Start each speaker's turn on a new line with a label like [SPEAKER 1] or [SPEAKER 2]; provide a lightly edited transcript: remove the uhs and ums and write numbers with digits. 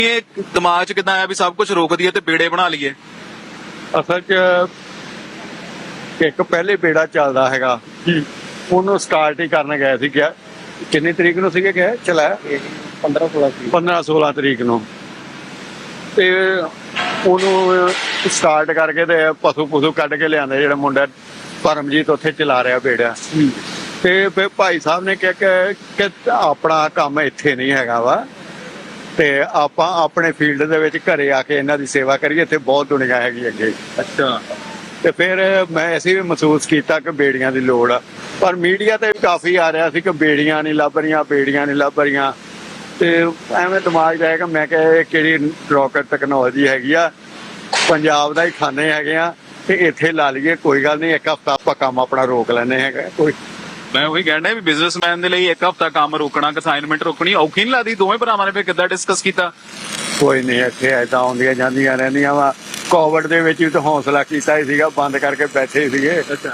[SPEAKER 1] ਇਹ ਦਿਮਾਗ 'ਚ ਕਿੱਦਾਂ ਆਇਆ ਵੀ ਸਭ ਕੁਝ ਰੋਕ ਦਈਏ ਤੇ ਬੇੜੇ ਬਣਾ ਲਈਏ?
[SPEAKER 2] ਅਸਲ 'ਚ ਇੱਕ ਪਹਿਲੇ ਬੇੜਾ ਚੱਲਦਾ ਹੈਗਾ, ਉਹਨੂੰ ਸਟਾਰਟ ਹੀ ਕਰਨ ਗਏ ਸੀ। ਗਿਆ ਕਿੰਨੀ ਤਰੀਕ ਨੂੰ ਸੀਗੇ ਗਏ ਚਲਾਇਆ 15-16 ਤਰੀਕ ਨੂੰ, ਤੇ ਉਹਨੂੰ ਸਟਾਰਟ ਕਰਕੇ ਤੇ ਪਸ਼ੂ ਕੱਢ ਕੇ ਲਿਆਂਦੇ। ਜਿਹੜਾ ਮੁੰਡਾ ਪਰਮਜੀਤ ਉੱਥੇ ਚਲਾ ਰਿਹਾ ਬੇੜਾ, ਤੇ ਫਿਰ ਭਾਈ ਸਾਹਿਬ ਨੇ ਕਿਹਾ ਕਿ ਆਪਣਾ ਕੰਮ ਇੱਥੇ ਨਹੀਂ ਹੈਗਾ ਵਾ, ਤੇ ਆਪਾਂ ਆਪਣੇ ਫੀਲਡ ਦੇ ਵਿੱਚ ਘਰੇ ਆ ਕੇ ਇਹਨਾਂ ਦੀ ਸੇਵਾ ਕਰੀਏ। ਇੱਥੇ ਬਹੁਤ ਦੁਨੀਆ ਹੈਗੀ ਅੱਗੇ।
[SPEAKER 1] ਅੱਛਾ।
[SPEAKER 2] ਤੇ ਫਿਰ ਮੈਂ ਅਸੀਂ ਵੀ ਮਹਿਸੂਸ ਕੀਤਾ ਕਿ ਬੇੜੀਆਂ ਦੀ ਲੋੜ ਆ, ਪਰ ਮੀਡੀਆ ਤੇ ਕਾਫੀ ਆ ਰਿਹਾ ਸੀ ਕਿ ਬੇੜੀਆਂ ਨਹੀਂ ਲੱਭ ਰਹੀਆਂ, ਤੇ ਐਵੇਂ ਦਿਮਾਗ ਜਾਏਗਾ। ਮੈਂ ਕਿਹਾ ਇਹ ਕਿਹੜੀ ਰੌਕਟ ਟੈਕਨੋਲੋਜੀ ਹੈਗੀ ਆ, ਪੰਜਾਬ ਦਾ ਹੀ ਖਾਨੇ ਹੈਗੇ ਆ, ਤੇ ਇੱਥੇ ਲਾ ਲਈਏ, ਕੋਈ ਗੱਲ ਨਹੀਂ, ਇੱਕ ਹਫ਼ਤਾ ਆਪਾਂ ਕੰਮ ਆਪਣਾ ਰੋਕ ਲੈਣੇ ਹੈਗਾ। ਕੋਈ
[SPEAKER 1] ਮੈਂ ਉਹੀ ਕਹਿਣਾ ਵੀ ਬਿਜ਼ਨਸਮੈਨ ਦੇ ਲਈ ਇੱਕ ਹਫ਼ਤਾ ਕੰਮ ਰੋਕਣਾ, ਅਸਾਈਨਮੈਂਟ ਰੋਕਣੀ ਔਖੀ ਨਹੀਂ ਲੱਗਦੀ? ਦੋਵੇਂ ਭਰਾਵਾਂ ਨੇ ਫਿਰ ਕਿੱਦਾਂ ਡਿਸਕਸ ਕੀਤਾ?
[SPEAKER 2] ਕੋਈ ਨਹੀਂ, ਇੱਥੇ ਏਦਾਂ ਆਉਂਦੀਆਂ ਜਾਂਦੀਆਂ ਰਹਿੰਦੀਆਂ ਵਾ। ਕੋਵਿਡ ਦੇ ਵਿੱਚ ਵੀ ਤਾਂ ਹੌਸਲਾ ਕੀਤਾ ਹੀ ਸੀਗਾ, ਬੰਦ ਕਰਕੇ ਬੈਠੇ ਸੀਗੇ।